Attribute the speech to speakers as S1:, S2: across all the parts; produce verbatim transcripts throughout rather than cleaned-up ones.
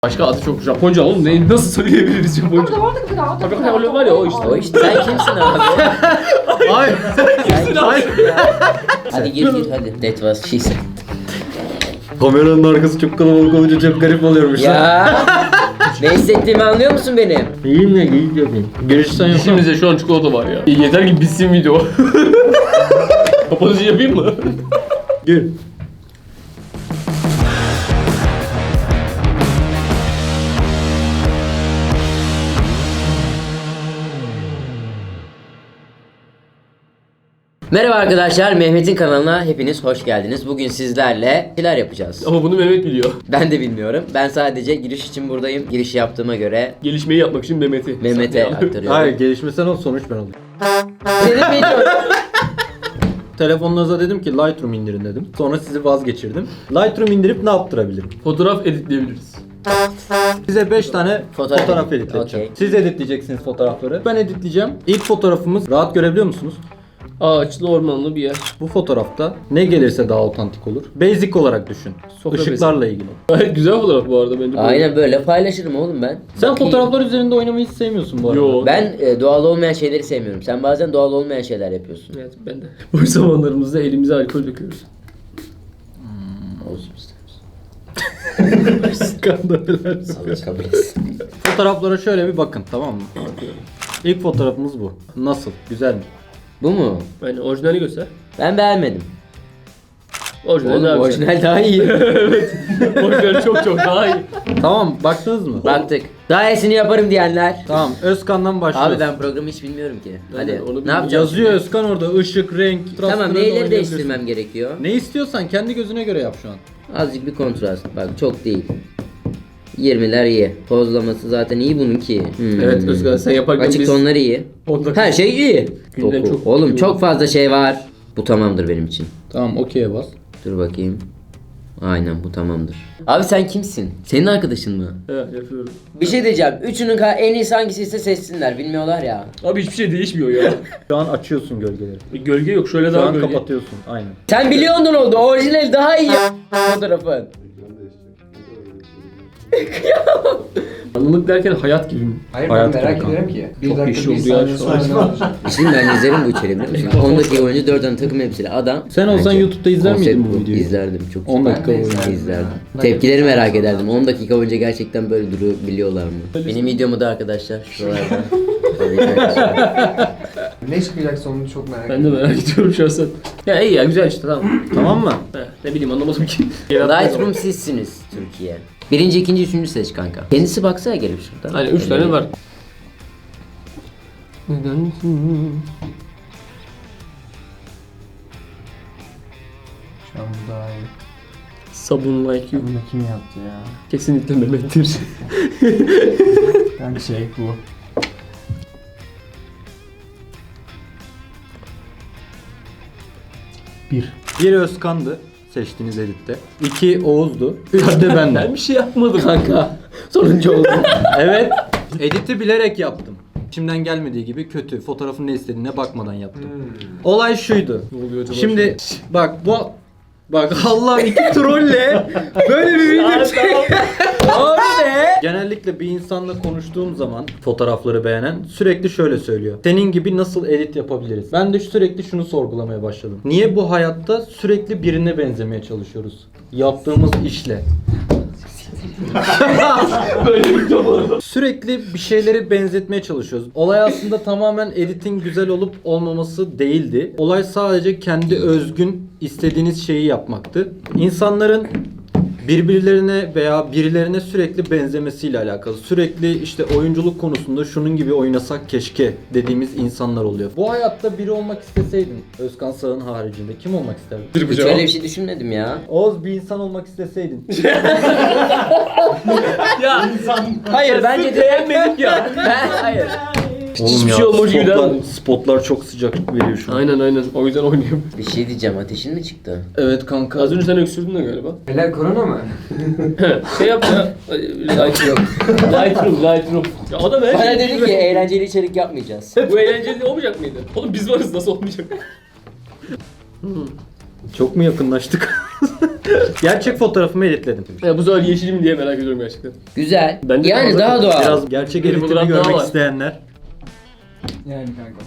S1: Başka adı çok Japonca oğlum. Ne, nasıl söyleyebiliriz Japonca? Tabii ki var ya o işte.
S2: O işte sen kimsin abi?
S3: Hayır.
S2: Sen kimsin ya? Hadi gir gir hadi. That was she said.
S3: Kameranın arkası çok kalabalık olunca çok garip oluyormuş.
S2: Ya. Ne hissettiğimi anlıyor musun benim?
S3: İyiyim ya, iyi yapayım. Görüşsen yapalım.
S1: Dişimizde şu an çikolata var ya. Yeter ki bitsin video. Kapanışı yapayım mı?
S3: Gül.
S2: Merhaba arkadaşlar, Mehmet'in kanalına hepiniz hoş geldiniz. Bugün sizlerle neler yapacağız?
S1: Ama bunu Mehmet biliyor.
S2: Ben de bilmiyorum. Ben sadece giriş için buradayım. Giriş yaptığıma göre
S1: Gelişmeyi yapmak için Mehmet'i.
S2: Mehmet'e aktarıyorum.
S3: Hayır, gelişmesen o sonuç ben olayım.
S2: Senin videon.
S3: Telefonunuza dedim ki Lightroom indirin dedim. Sonra sizi vazgeçirdim. Lightroom indirip ne yaptırabilirim?
S1: Fotoğraf editleyebiliriz.
S3: Size beş tane
S2: Fotoğraf
S3: fotoğraf,
S2: edit,
S3: editleteceğim.
S2: okey.
S3: Siz editleyeceksiniz fotoğrafları. Ben editleyeceğim. İlk fotoğrafımız, rahat görebiliyor musunuz?
S1: Ağaçlı ormanlı bir yer.
S3: Bu fotoğrafta ne gelirse daha otantik olur. Basic olarak düşün.
S1: Sofra
S3: Işıklarla ilgili.
S1: Gayet güzel fotoğraf bu arada bence.
S2: Aynen böyle paylaşırım oğlum ben.
S3: Sen
S2: Bakayım.
S3: fotoğraflar üzerinde oynamayı hiç sevmiyorsun bu arada.
S1: Yo.
S2: Ben e, doğal olmayan şeyleri sevmiyorum. Sen bazen doğal olmayan şeyler yapıyorsun.
S1: Evet ben de. Boş zamanlarımızda elimize alkol döküyoruz.
S2: Olsun isteriz.
S3: Skandallar.
S2: Allah kabul etsin.
S3: Fotoğraflara şöyle bir bakın, tamam mı? İlk fotoğrafımız bu. Nasıl? Güzel mi?
S2: Bu mu?
S1: Yani orijinali göster.
S2: Ben beğenmedim.
S1: Orijinali
S2: Oğlum
S1: daha güzel.
S2: orijinal daha iyi.
S1: Evet. Orijinali çok çok daha iyi.
S3: Tamam, baktınız mı?
S2: Baktık. Daha iyisini yaparım diyenler.
S3: Tamam, Özkan'dan başlıyoruz.
S2: Abi ben programı hiç bilmiyorum ki. Hadi.
S1: de onu
S2: Ne
S1: bilmiyorum.
S2: yapacağız?
S3: Yazıyor Özkan orada, ışık, renk,
S2: Tamam
S3: transparan
S2: neyleri
S3: oynayabilirsin.
S2: değiştirmem gerekiyor?
S3: Ne istiyorsan kendi gözüne göre yap şu an.
S2: Azıcık bir kontrast. Bak çok değil. yirmiler iyi. Pozlaması zaten iyi bunun ki. Hmm.
S1: Evet Özkan sen yaparken
S2: Açık
S1: biz...
S2: tonları iyi.
S1: on dakika-
S2: Her şey iyi.
S1: Günden
S2: Doku.
S1: çok-
S2: Oğlum çok fazla şey var. Bu tamamdır benim için.
S3: Tamam, okey'e bas.
S2: Dur bakayım. Aynen bu tamamdır. Abi sen kimsin? Senin arkadaşın mı?
S1: Evet yapıyorum.
S2: Bir şey diyeceğim. Üçünün ka- en iyisi hangisi ise seçsinler. Bilmiyorlar ya.
S1: Abi hiçbir şey değişmiyor ya.
S3: Şu an açıyorsun gölgeleri.
S1: Gölge yok şöyle
S3: Şu
S1: daha
S3: an
S1: gölge.
S3: kapatıyorsun, aynen.
S2: Sen biliyordun oldu. Orijinal daha iyi fotoğrafın.
S1: Anlılık derken hayat gibi mi?
S4: Hayır
S3: Hayat
S4: ben merak
S3: gibi
S4: ediyorum ki. Bir
S1: Çok
S4: dakika
S1: iş
S4: bir
S1: oldu ya
S4: saniye
S1: şu an.
S4: sonra ne olacak?
S2: Şimdi ben izlerim bu içeriği biliyor musun? on dakika boyunca dört tane takım elbiseli adam.
S3: Sen olsan
S2: Bence
S3: YouTube'da izler
S2: konsept
S3: miydin bu videoyu?
S2: İzlerdim çok.
S3: on
S4: Ben
S3: dakika
S4: de
S3: boyunca.
S4: izlerdim.
S2: İzlerdim. Tepkileri merak ederdim. on dakika boyunca gerçekten böyle durabiliyorlar mı? Benim videomu da arkadaşlar şuralarda. Tabii ki arkadaşlar.
S4: Ne çıkacak sonunu çok merak
S1: Ben de
S4: ediyorum.
S1: merak ediyorum şahsen. Ya iyi ya güzel işte tamam.
S3: Tamam mı?
S1: He, ne bileyim anlamadım ki.
S2: Lightroom sizsiniz Türkiye. Birinci, ikinci, üçüncü seç kanka. Kendisi baksana gelip şuradan.
S1: Hani üç tane var.
S4: Şu an bu daha iyi.
S1: Sabun like you.
S4: Bunu kim yaptı ya?
S1: Kesinlikle Mehmet'tir.
S4: Ben şey bu. Bir.
S3: Bir Özkan'dı seçtiğiniz editte. İki Oğuz'du. Üç de
S1: ben
S3: bendim.
S1: bir şey yapmadım.
S2: Kanka. Sonuncu oldum.
S3: Evet. Editi bilerek yaptım. İçimden gelmediği gibi kötü. Fotoğrafın ne istediğine bakmadan yaptım. Olay şuydu.
S1: Ne oluyor acaba
S3: Şimdi bak bu bak Allah iki trolle böyle bir video çek. Abi be. Genellikle bir insanla konuştuğum zaman fotoğrafları beğenen sürekli şöyle söylüyor. Senin gibi nasıl edit yapabiliriz? Ben de sürekli şunu sorgulamaya başladım. Niye bu hayatta sürekli birine benzemeye çalışıyoruz? Yaptığımız işle.
S1: Böyle bir video var.
S3: Sürekli bir şeyleri benzetmeye çalışıyoruz. Olay aslında tamamen editin güzel olup olmaması değildi. Olay sadece kendi özgün istediğiniz şeyi yapmaktı. İnsanların birbirlerine veya birilerine sürekli benzemesiyle alakalı. Sürekli işte oyunculuk konusunda şunun gibi oynasak keşke dediğimiz insanlar oluyor. Bu hayatta biri olmak isteseydin, Özkan Sağ'ın haricinde kim olmak isterdin?
S1: Bir
S2: Hiç öyle bir şey düşünmedim ya.
S3: Oğuz, bir insan olmak isteseydin.
S1: Ya
S2: Hayır bence de
S1: beğenmedik ya.
S2: Ben hayır.
S1: Hiçbir şey olmuş gibi
S3: spotlar,
S1: değil.
S3: spotlar çok sıcak veriyor şu an.
S1: Aynen aynen o yüzden oynuyorum.
S2: Bir şey diyeceğim. Ateşin mi çıktı?
S3: Evet kanka.
S1: Az önce sen öksürdün de galiba.
S4: Helal korona mı?
S1: Şey yap ya. Lightroom. Lightroom, Lightroom. Ya adam her
S2: Bana
S1: şey
S2: dedi ki eğlenceli içerik yapmayacağız.
S1: Bu eğlenceli olmayacak mıydı? Oğlum biz varız nasıl olmayacak?
S3: Çok mu yakınlaştık? Gerçek fotoğrafımı editledim.
S1: Ya bu sefer yeşilim diye merak ediyorum gerçekten.
S2: Güzel.
S1: Bence
S2: yani
S1: fazla-
S2: daha doğal.
S3: Biraz gerçek
S1: Bir
S3: editimi
S1: fotoğraf daha
S3: görmek
S1: var.
S3: isteyenler.
S4: Yani kanka.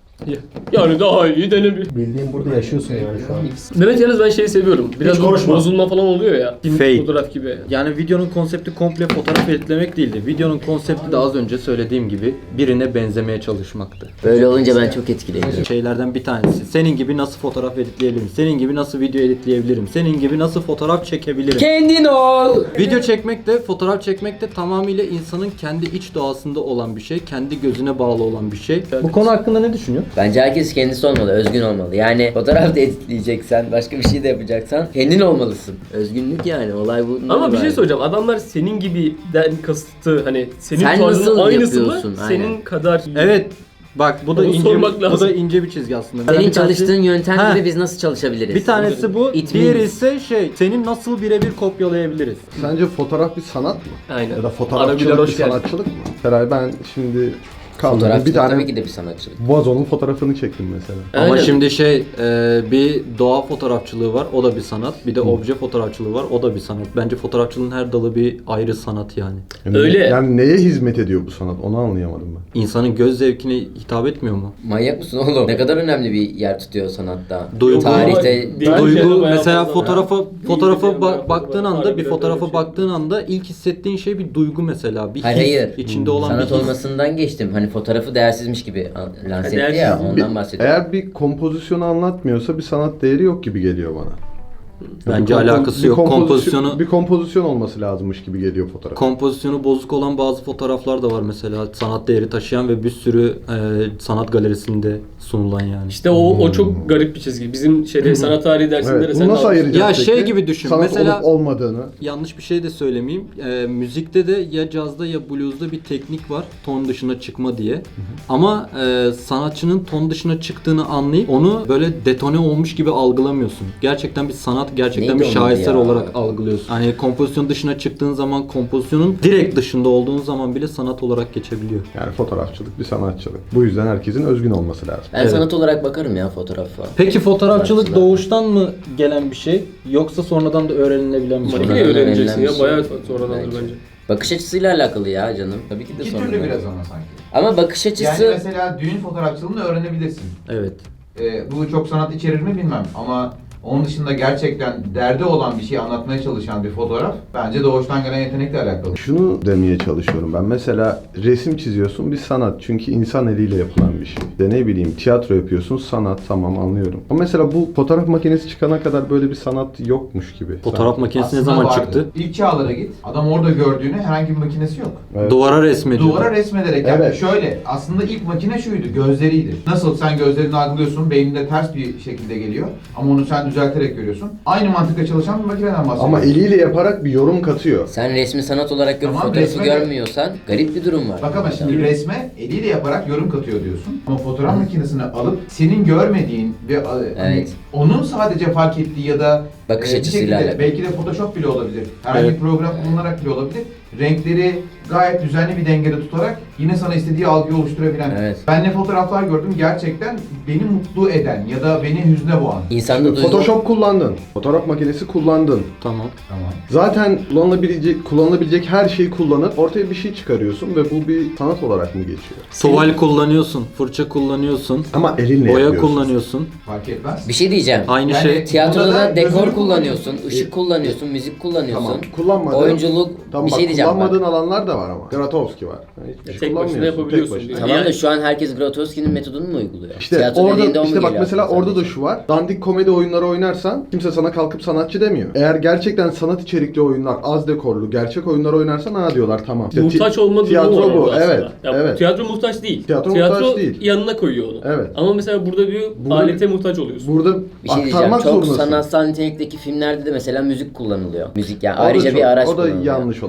S1: Yani daha iyi denemiyor.
S5: Bildiğin burada yaşıyorsun yani şu an.
S1: Mehmet yalnız ben şeyi seviyorum. Biraz
S5: Hiç konuşma.
S1: bozulma falan oluyor ya. Film
S3: Fade.
S1: fotoğraf gibi.
S3: Yani videonun konsepti komple fotoğraf editlemek değildi. Videonun konsepti de az önce söylediğim gibi birine benzemeye çalışmaktı.
S2: Böyle olunca ben çok etkileniyorum.
S3: Şeylerden bir tanesi. Senin gibi nasıl fotoğraf editleyebilirim? Senin gibi nasıl video editleyebilirim? Senin gibi nasıl fotoğraf çekebilirim?
S2: Kendin ol.
S3: Video çekmek de, fotoğraf çekmek de tamamıyla insanın kendi iç doğasında olan bir şey. Kendi gözüne bağlı olan bir şey. Bu konu hakkında ne düşünüyorsun?
S2: Bence herkes kendisi olmalı, özgün olmalı. Yani fotoğraf da editleyeceksen, başka bir şey de yapacaksan kendin olmalısın. Özgünlük yani, olay bu.
S1: Ama bir şey söyleyeceğim. Adamlar senin gibiden kasıtı hani senin
S2: Sen
S1: tarzının
S2: nasıl
S1: aynısı mı?
S2: yapıyorsun?
S1: Senin
S2: Aynen.
S1: kadar.
S3: Evet. Bak bu da
S1: Onu
S3: ince
S1: sormak
S3: bu
S1: lazım.
S3: da ince bir çizgi aslında.
S2: Senin
S3: Bir tanesi-
S2: çalıştığın yöntem
S3: Ha.
S2: gibi biz nasıl çalışabiliriz?
S3: Bir tanesi bu,
S2: It
S3: diğeri
S2: means-
S3: ise şey, senin nasıl birebir kopyalayabiliriz.
S5: Sence fotoğraf bir sanat mı?
S1: Aynen.
S5: Ya da
S1: Arabiler
S5: fotoğrafçılık bir
S1: hoş geldin.
S5: sanatçılık mı? Feray ben şimdi kaldım.
S2: Fotoğrafçılık
S5: Bir tane
S2: tabii ki de bir sanatçılık.
S5: vazo'nun fotoğrafını çektim mesela.
S3: Ama
S1: Aynen.
S3: şimdi şey, e, bir doğa fotoğrafçılığı var, o da bir sanat. Bir de obje fotoğrafçılığı var, o da bir sanat. Bence fotoğrafçılığın her dalı bir ayrı sanat yani.
S5: Yani,
S1: Öyle.
S5: Yani neye hizmet ediyor bu sanat? Onu anlayamadım ben.
S3: İnsanın göz zevkine hitap etmiyor mu?
S2: Manyak mısın oğlum? Ne kadar önemli bir yer tutuyor sanatta.
S3: Duygu-
S2: Tarihte
S1: Değil. Bence de
S3: Duygu
S1: bayağı
S3: mesela
S1: fazla.
S3: fotoğrafa
S1: İyi
S3: fotoğrafa
S1: bir
S3: ba-
S1: şey,
S3: baktığın
S1: bayağı
S3: anda bir
S1: fazla.
S3: fotoğrafa
S1: Harbiden
S3: baktığın anda ilk hissettiğin şey bir duygu mesela, bir his,
S2: Hayır, hayır.
S3: içinde olan
S2: sanat
S3: bir his.
S2: olmasından geçtim. Hani fotoğrafı değersizmiş gibi an- lanse etti
S1: Değersiz
S2: ya,
S1: mi?
S2: ondan bahsediyorum.
S5: Eğer bir kompozisyonu anlatmıyorsa bir sanat değeri yok gibi geliyor bana.
S3: Bence
S5: Bir kompo-
S3: alakası
S5: bir
S3: yok.
S5: kompozisyon-
S3: Kompozisyonu
S5: bir kompozisyon olması lazımmış gibi geliyor fotoğraf.
S3: kompozisyonu bozuk olan bazı fotoğraflar da var mesela, sanat değeri taşıyan ve bir sürü e, sanat galerisinde sunulan yani.
S1: İşte o o çok garip bir çizgi. Bizim şeyde sanat tarihi dersinde
S5: Evet,
S1: de
S5: bunu
S1: sen
S5: nasıl
S1: de
S5: ayıracağız
S3: Ya
S5: peki?
S3: şey gibi düşün,
S5: Sanat
S3: mesela-
S5: olup olmadığını.
S3: Yanlış bir şey de söylemeyeyim. Ee, müzikte de ya cazda ya bluesda bir teknik var. Ton dışına çıkma diye. Ama e, sanatçının ton dışına çıktığını anlayıp onu böyle detone olmuş gibi algılamıyorsun. Gerçekten bir sanat, gerçekten
S2: Neydi
S3: bir
S2: onun adı
S3: şaheser
S2: ya?
S3: olarak algılıyorsun. Hani kompozisyon dışına çıktığın zaman, kompozisyonun direkt dışında olduğun zaman bile sanat olarak geçebiliyor.
S5: Yani fotoğrafçılık bir sanatçılık. Bu yüzden herkesin özgün olması lazım.
S2: Ben
S3: Evet.
S2: sanat olarak bakarım ya fotoğrafa.
S3: Peki fotoğrafçılık
S2: Sanatçılar.
S3: doğuştan mı gelen bir şey yoksa sonradan da öğrenilebilen bir şey?
S1: makine
S2: Sonradan
S1: öğreneceksin
S2: öğrenilen
S1: ya.
S2: bir şey.
S1: Bayağı sonradandır
S2: Bence.
S1: bence.
S2: Bakış açısıyla alakalı ya canım. Tabii ki de
S6: İki
S2: sonradan.
S6: türlü biraz ama sanki.
S2: Ama bakış açısı...
S6: Yani mesela düğün fotoğrafçılığını öğrenebilirsin.
S3: Evet.
S6: Ee, bu çok sanat içerir mi bilmem ama onun dışında gerçekten derdi olan bir şeyi anlatmaya çalışan bir fotoğraf bence doğuştan gelen yetenekle alakalı.
S5: Şunu demeye çalışıyorum ben. Mesela resim çiziyorsun bir sanat. Çünkü insan eliyle yapılan bir şey. De ne bileyim tiyatro yapıyorsun sanat, tamam anlıyorum. Ama mesela bu fotoğraf makinesi çıkana kadar böyle bir sanat yokmuş gibi.
S3: Fotoğraf
S5: Sanki.
S3: makinesi ne
S6: Aslında
S3: zaman
S6: vardı.
S3: çıktı?
S6: İlk çağlara git. Adam orada gördüğünü herhangi bir makinesi yok.
S5: Evet.
S3: Duvara resmediyor.
S6: Duvara resmederek yani
S5: Evet.
S6: şöyle aslında ilk makine şuydu gözleriydi. Nasıl sen gözlerini algılıyorsun beyninde ters bir şekilde geliyor ama onu sen düzelterek görüyorsun. Aynı mantıkla çalışan bir makineden bahsediyoruz.
S5: Ama eliyle yaparak bir yorum katıyor.
S2: Sen resmi sanat olarak görüp
S6: Tamam,
S2: fotoğrafı
S6: resme-
S2: görmüyorsan garip bir durum var.
S6: Bak ama şimdi resme eliyle yaparak yorum katıyor diyorsun. Ama fotoğraf makinesini alıp senin görmediğin ve e, hani
S2: Evet.
S6: onun sadece fark ettiği ya da
S2: Bakış
S6: e, bir
S2: açısıyla
S6: şekilde,
S2: alakalı.
S6: belki de Photoshop bile olabilir. Herhangi
S3: Evet.
S6: bir program kullanarak bile olabilir. Renkleri gayet düzenli bir dengede tutarak yine sana istediği algıyı oluşturabilen.
S2: Evet.
S6: Ben ne fotoğraflar gördüm gerçekten beni mutlu eden ya da beni hüzne boğan.
S2: İnsanda duygu...
S5: Photoshop kullandın. Fotoğraf makinesi kullandın.
S3: Tamam.
S6: Tamam.
S5: Zaten kullanılabilecek, kullanılabilecek her şeyi kullanıp ortaya bir şey çıkarıyorsun ve bu bir sanat olarak mı geçiyor?
S3: Tuval kullanıyorsun, fırça kullanıyorsun,
S5: Ama elinle
S3: boya
S5: yapıyorsun.
S3: kullanıyorsun.
S6: Fark etmez.
S2: Bir şey diyeceğim.
S3: Aynı
S6: Yani
S3: şey.
S2: Tiyatroda
S6: burada
S2: da
S6: da
S2: dekor
S6: gözünü
S2: kullanıyorsun,
S6: kullanıyorsun.
S2: ışık kullanıyorsun, müzik kullanıyorsun.
S5: Tamam. Kullanmadığın,
S2: Oyunculuk,
S5: tamam,
S2: bir
S5: bak,
S2: şey diyeceğim bak.
S5: kullanmadığın alanlar da var ama. Grotowski var. Yani hiçbir
S1: Ya
S5: şey
S1: tek başına
S5: kullanmıyorsun,
S1: yapabiliyorsun
S5: tek başına.
S1: diyor.
S2: Tamam da
S1: Yani-
S2: şu an herkes Grotowski'nin metodunu mu uyguluyor?
S5: İşte
S2: Tiyatro dediğinde o
S5: orada
S2: mu
S5: işte bak
S2: geliyor
S5: mesela
S2: aklına
S5: orada da
S2: sadece?
S5: şu var. Dandik komedi oyunları oynarsan kimse sana kalkıp sanatçı demiyor. Eğer gerçekten sanat içerikli oyunlar, az dekorlu, gerçek oyunlar oynarsan ha diyorlar tamam. İşte
S1: Muhtaç
S5: ti-
S1: olma durumu
S5: tiyatro
S1: var
S5: bu.
S1: orada aslında.
S5: Evet.
S1: Ya,
S5: evet.
S1: Tiyatro muhtaç değil.
S5: Tiyatro muhtaç değil.
S1: yanına koyuyor onu.
S5: Evet.
S1: Ama mesela burada bir
S5: Burada-
S1: alete muhtaç oluyorsun.
S5: Burada
S2: Bir şey diyeceğim.
S5: aktarmak
S2: Çok
S5: zorundasın.
S2: sanatsal nitelikteki filmlerde de mesela müzik kullanılıyor. Müzik yani
S5: O da
S2: ayrıca
S5: çok-
S2: bir araç
S5: O da
S2: kullanılıyor.
S5: yanlış olarak.
S2: Sen o
S5: yapılıyor.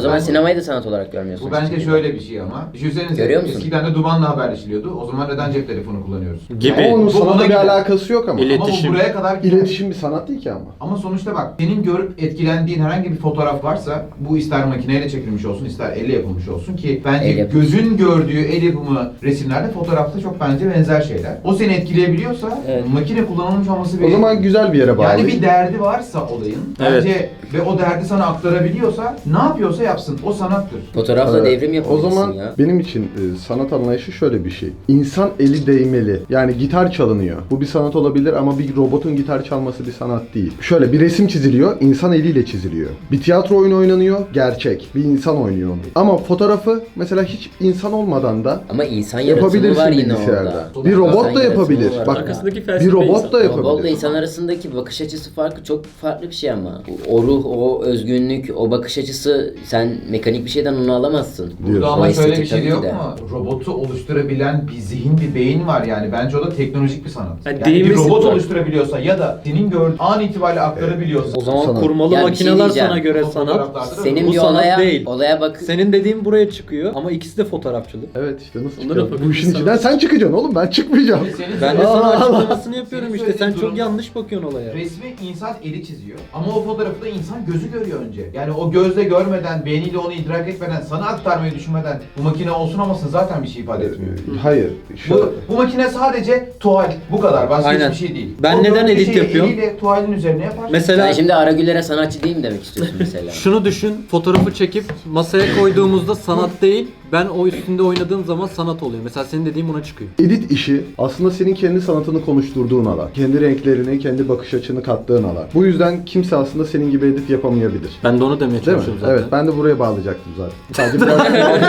S2: zaman
S6: Ben-
S2: sinemayı da sanat olarak görmüyorsun.
S6: Bu bence
S2: işte.
S6: şöyle bir şey ama. Düşünsenize
S2: Görüyor musun?
S6: eskiden de dumanla haberleşiliyordu. O zaman neden cep telefonu kullanıyoruz?
S3: Gibi.
S5: Ama onun
S6: Bu
S5: sanatla
S6: ona
S5: bir
S6: gider.
S5: alakası yok ama.
S3: İle-
S6: Ama bu
S3: İletişim.
S6: buraya kadar gider.
S5: İletişim bir sanat değil ki ama.
S6: Ama sonuçta bak, senin görüp etkilendiğin herhangi bir fotoğraf varsa, bu ister makineyle çekilmiş olsun, ister elle yapılmış olsun ki bence
S2: El yapımı.
S6: gözün gördüğü el yapımı resimlerde fotoğrafta çok bence benzer şeyler. O seni etkileyebiliyorsa
S2: Evet.
S6: makine kullanılmış olması bir...
S5: O zaman güzel bir yere bağlı.
S6: yani bir derdi varsa olayın bence ve o derdi sana aktarabiliyorsa ne yapıyorsa yapsın. O sanattır.
S2: Fotoğrafla
S5: Evet.
S2: devrim
S5: O
S2: yapabilirsin
S5: zaman
S2: ya.
S5: benim için e, sanat anlayışı şöyle bir şey. İnsan eli değmeli. Yani gitar çalınıyor. Bu bir sanat olabilir ama bir robotun gitar çalması bir sanat değil. Şöyle bir resim çiziliyor, insan eliyle çiziliyor. Bir tiyatro oyunu oynanıyor, gerçek. Bir insan oynuyor onu. Ama fotoğrafı mesela hiç insan olmadan da
S2: Ama insan yaratımı
S5: yapabilirsin
S2: var yine
S5: bilgisayarda.
S2: orada.
S5: Bir robot
S2: İnsan
S5: da
S2: yaratımı
S5: yapabilir.
S2: var
S5: Bak
S2: orada.
S1: Arkasındaki
S5: bir
S1: felsefe
S5: robot
S1: insan.
S5: da
S2: Robotla
S5: yapabilir.
S2: insan arasındaki bakış açısı farkı çok farklı bir şey ama. O ruh, o özgünlük, o bakış açısı sen mekanik bir şeyden onu alamazsın.
S6: Burada
S5: Diyorsun.
S6: ama
S2: O
S6: şöyle
S2: estetik
S6: bir şey de
S2: tabii
S6: yok
S2: ki de.
S6: mu? Robotu oluşturabilen bir zihin, bir beyin var yani. Bence o da teknolojik bir sanat.
S1: Yani
S6: Yani, bir
S1: değinmesi
S6: robot
S1: var.
S6: oluşturabiliyorsa ya da senin gördüğün an itibariyle aktarabiliyorsa.
S3: O zaman
S5: Sanat.
S3: kurmalı
S2: Ya bir şey
S3: makineler
S2: diyeceğim.
S3: sana göre
S6: O
S3: sanat.
S6: fotoğraflarda da
S2: Senin
S3: Bu
S2: bir
S3: sanat
S2: olaya,
S3: değil.
S2: olaya bak.
S3: Senin dediğin buraya çıkıyor ama ikisi de fotoğrafçılık.
S5: Evet işte nasıl
S1: Onları
S5: çıkıyor? Bu
S1: yapabilir
S5: işin
S1: sanat.
S5: içinden sen çıkacaksın oğlum, ben çıkmayacağım.
S6: Senin
S3: Ben de sana
S5: Allah Allah.
S3: açıklamasını yapıyorum
S6: Senin
S3: işte. Sen
S6: söylediğin
S3: çok
S6: durum-
S3: yanlış bakıyorsun olaya.
S6: Resmi insan eli çiziyor ama o fotoğrafı da insan gözü görüyor önce. Yani o gözle görmeden, beyniyle onu idrak etmeden, sana aktarmayı düşünmeden bu makine olsun olmasın zaten bir şey ifade etmiyor.
S5: Hayır. Şu,
S6: Bu, bu makine sadece tuval, bu kadar. Başka
S3: Aynen.
S6: hiçbir şey değil.
S3: Ben
S6: O
S3: neden
S6: gördüğü
S3: edit
S6: şeyi
S3: yapıyorum?
S6: Eliyle tuvalin üzerine yapar.
S3: Mesela
S2: Sen şimdi Aragüler'e sanatçı değil mi demek istiyorsun mesela?
S3: şunu düşün, fotoğrafı çekip masaya koyduğumuzda sanat değil, ben o üstünde oynadığım zaman sanat oluyor. Mesela senin dediğin buna çıkıyor.
S5: edit işi aslında senin kendi sanatını konuşturduğun alan. Kendi renklerini, kendi bakış açını kattığın alan. Bu yüzden kimse aslında senin gibi edit yapamayabilir.
S3: Ben de onu demeye
S5: Değil mi?
S3: çalışıyorum zaten.
S5: Evet, ben de buraya bağlayacaktım zaten. Sadece biraz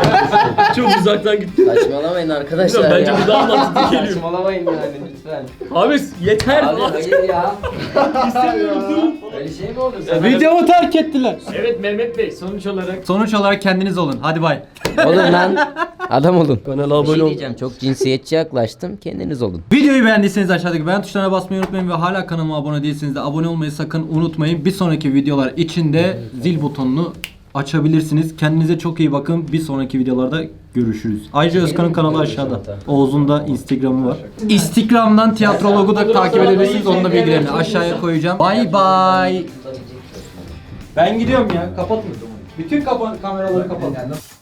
S1: Çok uzaktan gitti.
S2: Saçmalamayın arkadaşlar
S1: Bence
S2: ya.
S1: bu daha mantıklı geliyor.
S2: Saçmalamayın yani lütfen.
S1: Abi yeter.
S2: Abi hayır ya.
S1: İstemiyorum, durun.
S2: Öyle şey mi olur? Sen
S3: Videomu terk ettiler.
S1: Evet Mehmet Bey, sonuç olarak
S3: Sonuç olarak kendiniz olun. Hadi bay.
S2: olun lan. Adam olun.
S1: kanala
S2: Bir
S1: abone
S2: şey
S1: ol.
S2: diyeceğim. Çok cinsiyetçi yaklaştım. Kendiniz olun.
S3: Videoyu beğendiyseniz aşağıdaki beğen tuşlarına basmayı unutmayın ve hala kanalıma abone değilseniz de abone olmayı sakın unutmayın. Bir sonraki videolar için de zil butonunu açabilirsiniz. Kendinize çok iyi bakın. Bir sonraki videolarda görüşürüz. Ayrıca Özkan'ın kanalı aşağıda. Oğuz'un da Instagram'ı var. Instagram'dan tiyatrologu da takip edebilirsiniz. Onun da bilgilerini aşağıya koyacağım. Bye bye. Ben gidiyorum ya. Kapatın. Bütün kapa kameraları kapatın.